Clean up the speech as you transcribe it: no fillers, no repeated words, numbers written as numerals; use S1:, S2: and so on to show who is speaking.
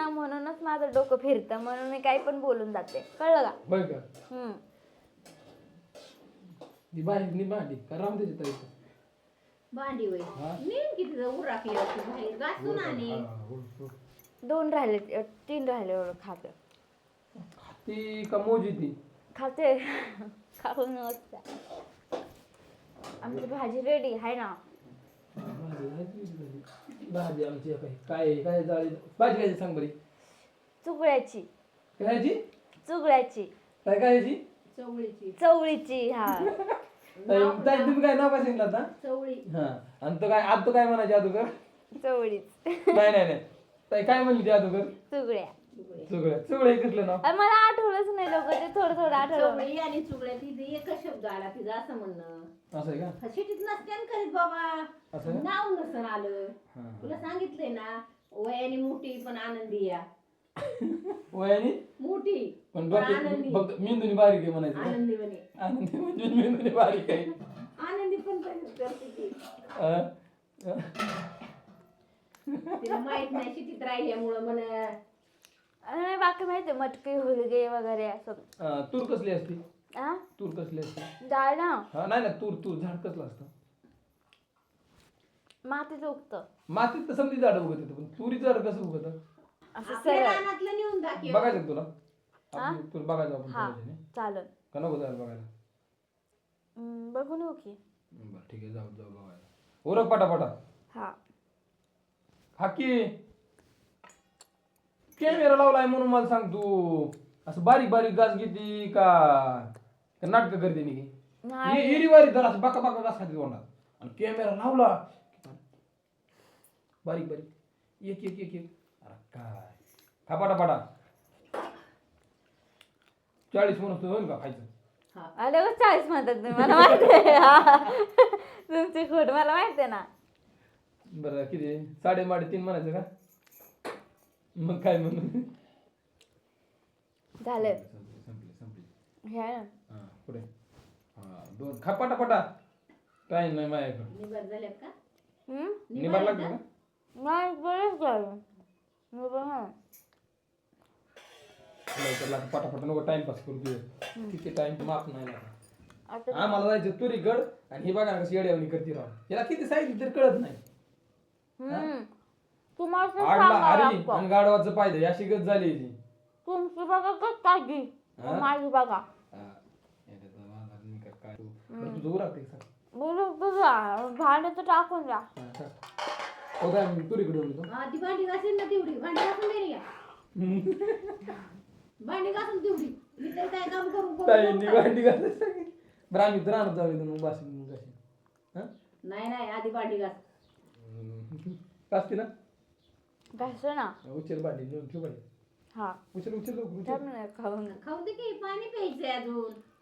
S1: ना म्हणूनच माझं डोकं फिरतं, म्हणून मी काही पण बोलून जाते, कळलं का?
S2: बघ का ती भांडी का राहून त्याची ताई
S3: भांडी होय नीट किती उरकली होती बाहेर घासून आणि
S1: 2 राहिले 3 राहिले एवढं खाते.
S2: ती का मोजी ती
S1: खाते खाऊन नसत्या. आमची भाजी रेडी आहे ना.
S2: भाजी आमची काय काय जाळी भाजी काय सांग बरी.
S1: चुगळ्याची
S2: काय काय
S1: चवळीची. हा
S2: तुम्ही काय नाव काय सांगितलं आता
S3: चवळी.
S2: हा आणि तो काय आज तो काय म्हणायचे अगोदर
S1: चवळीच.
S2: नाही ताई काय म्हणली ती अगोदर
S1: चुगळ्या.
S2: चुगळे घेतलं ना
S1: मला आठवलंच नाही लवकर, ते थोडं आठवलं.
S3: चवळी आणि चुगड्या तिथे एकच शब्द आला तिचा असं म्हणणं.
S2: असं आहे का
S3: शिटीत नसत्यान करीत बाबा, नाव नसन आलं. तुला सांगितलंय ना वयाने मोठी पण आनंदी या.
S2: वयाने
S3: मोठी
S2: पण
S3: आनंदी.
S2: फक्त मेंदूनी बारीक आहे म्हणायचं
S3: आनंदी म्हणे.
S2: आनंदी म्हणजे मेंदूनी बारीक आहे.
S3: आनंदी पण करते ती. तिला माहित नाही शिटीत राहिल्यामुळं म्हण.
S1: बाकी माहिती मटकी हुलगे वगैरे असं.
S2: तूर कसली असते तूर कसली असते
S1: डाळ ना.
S2: नाही ना तूर झाड कसलं असतं
S1: मातीच उगतं.
S2: मातीत तर समजी झाड उगत येतं पण तुरीचं झाड कसं उगत
S1: असं
S3: आपल्या
S1: सरळ.
S3: रानातलं नेऊन दाखव.
S2: बघायचं तुला तुला बघायचं आपण
S1: हा
S2: थोड्याने.
S1: चालेल.
S2: का नको जायला बघायला
S1: बघून येऊ की.
S2: बरं ठीक आहे जाऊ बघायला. ओरख पटापटा.
S1: हा
S2: हाकी कॅमेरा लावलाय म्हणून मला सांग तू असं बारीक बारीक गाज घेते का नाटक करते
S1: नाही.
S2: एरी वारी तर असं बाका बाका गास खाते तोंडात आणि कॅमेरा लावला बारीक बारीक एक एक एक एक अरे काय खा पटापटा 40 म्हणून होईल का खायचं.
S1: अरे 40 म्हणतात तुम्ही, मला माहिती आहे. तुमची खोट मला माहिती आहे ना.
S2: बरं किती 3.5 म्हणायचं का मग काय म्हणून
S1: झालं.
S2: संपली
S1: घ्या ना.
S2: हा पुढे हा 2 खा पटापटा काय नाही माझ्याकडे
S3: निभार झाल्यात का?
S2: निभार लागलं का
S1: नाही बरंच झालं.
S2: पटापट नको टाइमपास करू दे किती टाइम माफ नाही लागला.
S1: आता
S2: आम्हाला जायचं तुरीगड आणि ही बघा ना कशी येड्यावणी करते राव याला किती सांगितलं तरी कळत नाही.
S1: तुम्हाला तर
S2: आडला
S1: सांगावं
S2: हरी
S1: लागतं.
S2: आणि गाढवाचं पायदे अशी गत झाली ती.
S1: तुमची बघा कसं काळजी, माझी बघा.
S2: तुझं उरकते का
S1: बोलू तुझा भांड्याचं टाकून द्या.
S2: हो काय मी तुरीकडे येऊन येतो.
S3: हा ती भांडी घासेल ना तेवढी भांडी घासून दे या. भांडी घासून तेवढी मी तर काय काम करू
S2: ताईंनी भांडी घासायला सांगितलं. बरं आम्ही तर राहणार जाऊ मग बाशी मग कशी
S3: नाही आधी भांडी घास.
S2: कासते ना
S1: घासू ना.
S2: उचल भांडी नेऊन ठेव भांडी
S1: हा
S2: उचल
S1: खाऊन
S3: खाऊ दे की पाणी प्यायचंय अजून.